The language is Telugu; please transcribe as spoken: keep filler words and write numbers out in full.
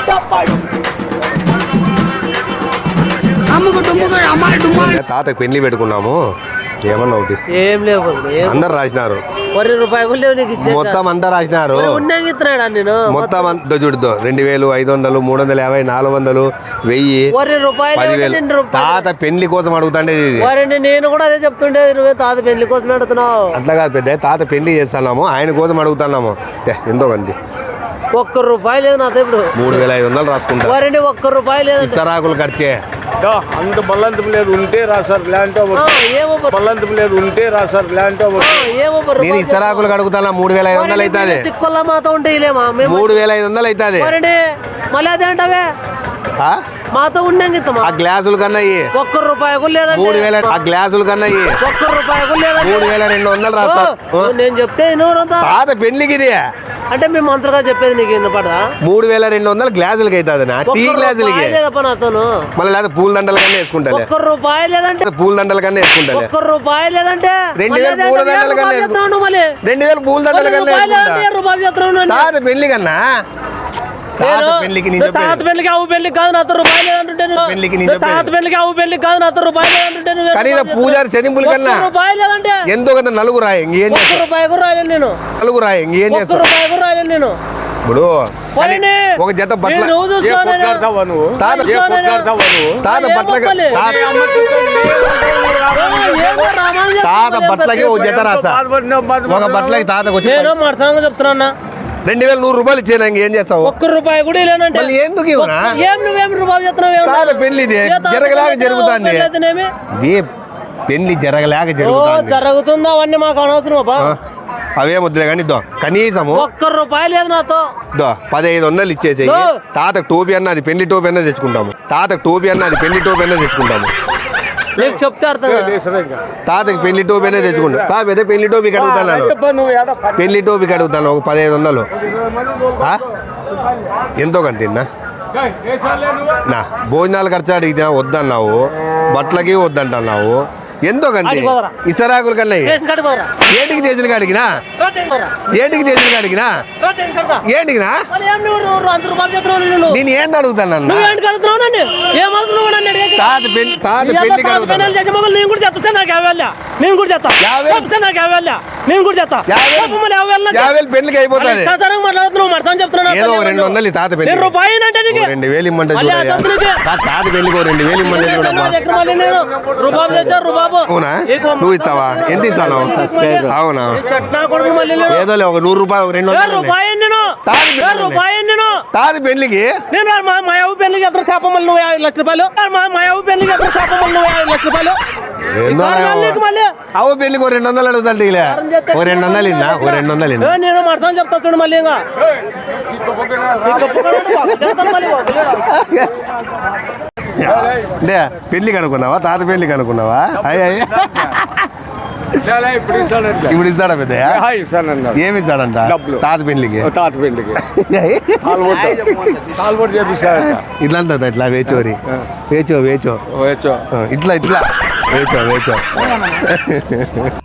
తాతకు పెళ్లి పెట్టుకున్నాము, ఏమన్నా ఒకటి ఏం లేవు, అందరు రాసినారు, మొత్తం అంతా రాసినారు, మొత్తం అంతా చూడుతో రెండు వేలు ఐదు వందలు మూడు వందల యాభై నాలుగు వందలు వెయ్యి పదివేలు. తాత పెళ్లి కోసం అడుగుతాండే ఇది. నేను కూడా అదే చెప్తుండేది, నువ్వే తాత పెళ్లి కోసం అడుగుతున్నావు. అట్లా కాదు పెద్ద, తాత పెళ్లి చేస్తున్నాము, ఆయన కోసం అడుగుతున్నాము. ఎంతో మంది ఒక్క రూపాయి లేదు నాతో ఇప్పుడు. మూడు వేల ఐదు వందలు రాసుకుంటారు, ఒక్క రూపాయి లేదు. ఇస్తరాకులు ఖర్చే అంత బల్లంతం లేదు, ఉంటే రాసారు ల్యాండ్ బల్లంతం లేదు, ఉంటే రాసారు ల్యాండ్. నేను ఇస్తరాకులు అడుగుతానా, మూడు వేల ఐదు వందలు అవుతుంది. తిక్కుల మాతో ఉంటే మూడు వేల ఐదు వందలు అవుతుంది. మళ్ళీ అదే అంటావే, మాతో ఉండే ఆ గ్లాసుల కన్నా ఒక్క రూపాయి కూడా లేదండి. మూడు వేల ఆ గ్లాసుల కన్నా ఒక్క రూపాయి కూడా లేదండి. మూడు వేల రెండు వందలు రాస్తారు. నేను చెప్తే తాత పెళ్లికి ఇది అంటే మేము మంత్రగా చెప్పేది నీకు వినపడదా? మూడు వేల రెండు వందలు గ్లాసులకి అవుతుంది, టీ గ్లాసులకి. మళ్ళీ లేదా పూల దండల కన్నా వేసుకుంటా, ఒక్క రూపాయి లేదంటే పూల దండల కన్నా వేసుకుంటా, ఒక్క రూపాయి లేదంటే రెండు వేల పూల దండల కన్నా రెండు వేల పూల దండల కన్నా తాత పెళ్లి కన్నా. తాత పెళ్లికి తాత పెళ్లికి అవు పెళ్లికి కాదు నాతో రూపాయలు లేదంటే, తాత పెళ్లికి అవు పెళ్లికి కాదు నాతో రూపాయలు లేదంటే, కనీసం పూజారి చదింపుల కన్నా రూపాయలు లేదంటే ఎంతో కదా నలుగురు రాయి ఇంకేం రూపాయి కూడా రాయలేను నేను. నలుగురు రాయి ఇంకేం చేస్తాను రూపాయి కూడా రాయలేను నేను. ఇప్పుడు ఒక జత బట్టల తాత తాత బట్టలకి తాత బట్టలకి ఒక జత రాసా, ఒక బట్టలకి తాతకు వచ్చి చెప్తున్నా రెండు వేల నూరు రూపాయలు ఇచ్చేనా, ఇంకేం చేస్తావు? ఒక్క రూపాయి కూడా లేనంటే ఎందుకు ఇవ్వనా? ఏం నువ్వేం రూపాయలు చెప్తున్నావు? తాత పెళ్లి జరగలేక జరుగుతుంది, పెళ్లి జరగలేక జరుగుతుంది. జరుగుతుందా అవన్నీ మాకు అనవసరం. అవే వద్దులే కానీ దో కనీసము ఒక్క రూపాయి లేదు నాతో. దో పదహైదు వందలు ఇచ్చేసి తాతకు టోపీ అన్నది పెళ్లి టోపీ అన్నది తెచ్చుకుంటాము, తాతకు టోపీ అన్నది పెళ్లి టోపీ అన్నది తెచ్చుకుంటాము. నీకు చెప్తే అర్థం. తాతకి పెళ్లి టోపీ అనేది తెచ్చుకుంటా, కాకపోతే పెళ్లి టోపీకి అడుగుతాను, పెళ్లి టోపీకి అడుగుతాను ఒక పదహైదు వందలు. ఎంతో కంతిన్నా నా భోజనాలు ఖర్చు అడిగితే వద్దన్నావు, బట్టలకి వద్దంటున్నావు, ఎంతో కంది. ఇసరాకుల కన్నా ఏటికి చేసిన కాడికినా ఏటికి చేసిన కాడికినా ఏంటికినా నేను ఏంది అడుగుతాను? తాత పెళ్లి తాత పెళ్లికి అడుగుతాను. యాభై పెళ్లికి అయిపోతుంది. ఏదో రెండు వందలు తాత పెళ్లి రెండు వేలు ఇమ్మంటే తాత పెళ్లికి రెండు వేలు ఇమ్మంటే చూడమ్మా. అవునా, నువ్వు ఇస్తావా? ఎంత ఇస్తాను? అవునా, ఏదో ఒక నూరు రూపాయలు రెండు వందలు తాది పెళ్లికి. నేను మా అవ్వ పెళ్లికి ఎదురు చేపమల్లి నువ్వు యాభై లక్ష రూపాయలు, మా అవ్వ పెళ్లికి ఎదురు చేపమల్లి నువ్వు యాభై లక్ష రూపాయలు. అవ్వ పెళ్లికి ఓ రెండు వందలు అడుగుతాంటే ఓ రెండు వందలు ఇన్నా ఓ రెండు వందలు ఇన్నా నేను మరసం చెప్తా చూడు మళ్ళీ. ఇంకా అంటే పెళ్లికి అనుకున్నావా? తాత పెళ్లికి అనుకున్నావా? అయ్యి ఇప్పుడు ఇస్తాడా పెద్ద? ఏమి ఇస్తాడంట తాత పెళ్లికి? తాత పెళ్లికి ఇట్లా ఇట్లా వేచోరి వేచో వేచో వేచో ఇట్లా ఇట్లా వేచో వేచో